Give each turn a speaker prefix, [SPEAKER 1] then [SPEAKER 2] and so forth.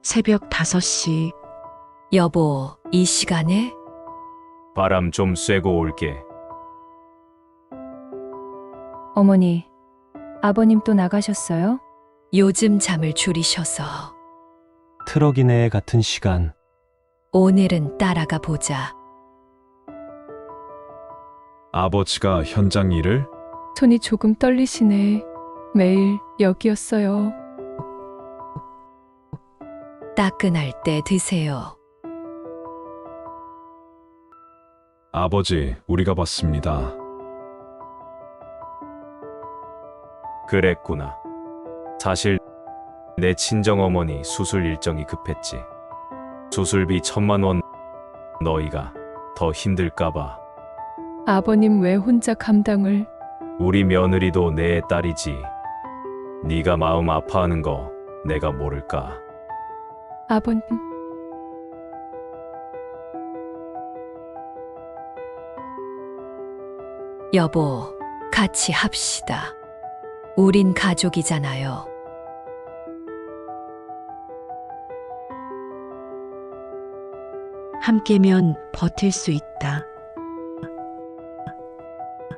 [SPEAKER 1] 새벽 5시.
[SPEAKER 2] 여보, 이 시간에?
[SPEAKER 3] 바람 좀 쐬고 올게.
[SPEAKER 4] 어머니, 아버님 또 나가셨어요?
[SPEAKER 2] 요즘 잠을 줄이셔서.
[SPEAKER 5] 트럭 이내에 같은 시간.
[SPEAKER 2] 오늘은 따라가 보자.
[SPEAKER 6] 아버지가 현장 일을?
[SPEAKER 4] 손이 조금 떨리시네. 매일 여기였어요.
[SPEAKER 2] 따끈할 때 드세요.
[SPEAKER 6] 아버지, 우리가 봤습니다.
[SPEAKER 3] 그랬구나. 사실 내 친정어머니 수술 일정이 급했지. 수술비 1,000만 원. 너희가 더 힘들까봐.
[SPEAKER 4] 아버님 왜 혼자 감당을?
[SPEAKER 3] 우리 며느리도 내 딸이지. 네가 마음 아파하는 거 내가 모를까.
[SPEAKER 4] 아버님,
[SPEAKER 2] 여보, 같이 합시다. 우린 가족이잖아요.
[SPEAKER 1] 함께면 버틸 수 있다.